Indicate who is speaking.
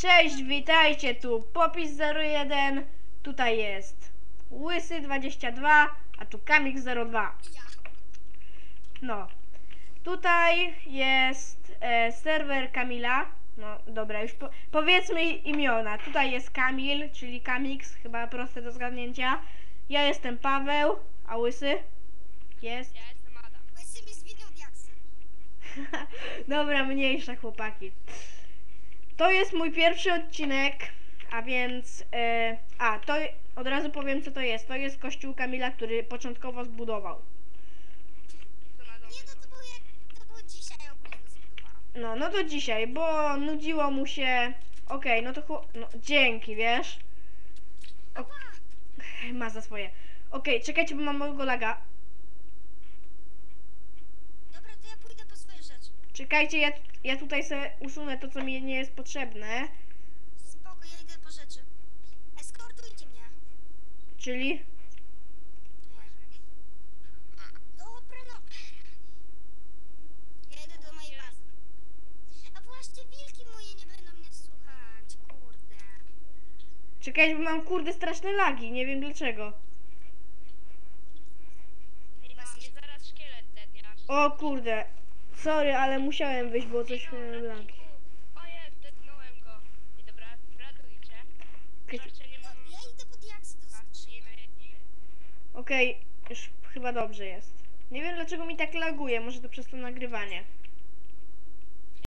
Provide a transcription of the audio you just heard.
Speaker 1: Cześć, witajcie, tu Popis01, tutaj jest Łysy22, a tu Kamik02. No, tutaj jest serwer Kamila. No dobra, już powiedzmy imiona. Tutaj jest Kamil, czyli Kamix, chyba proste do zgadnięcia. Ja jestem Paweł, a Łysy jest?
Speaker 2: Ja jestem Adam.
Speaker 3: Łysy mi zwinął diaksy.
Speaker 1: Dobra, mniejsza chłopaki. To jest mój pierwszy odcinek, a więc... to od razu powiem, co to jest. To jest kościół Kamila, który początkowo zbudował.
Speaker 2: To na dole.
Speaker 3: Nie, no to było dzisiaj ogólnie zbudowałam.
Speaker 1: No to dzisiaj, bo nudziło mu się... Okej, no to no, dzięki, wiesz? Ma za swoje. Okej, czekajcie, bo mam małego laga.
Speaker 3: Dobra, to ja pójdę po swoje rzeczy.
Speaker 1: Czekajcie, ja tutaj sobie usunę to, co mi nie jest potrzebne.
Speaker 3: Spoko, ja idę po rzeczy. Eskortujcie mnie.
Speaker 1: Czyli...
Speaker 3: Dobra, no. Ja idę do mojej bazy. A właśnie wilki moje nie będą mnie słuchać. Kurde.
Speaker 1: Czekajcie, bo mam kurde straszne lagi, nie wiem dlaczego.
Speaker 2: Ej, no, mnie zaraz szkielet dednie.
Speaker 1: O kurde, sorry, ale musiałem wyjść, bo coś miałem lagi.
Speaker 2: O jest, dednąłem go. I dobra, radujcie. Jeszcze nie mam...
Speaker 3: Ja idę po diaksy do skrzyni.
Speaker 1: Okej, już chyba dobrze jest. Nie wiem dlaczego mi tak laguje, może to przez to nagrywanie.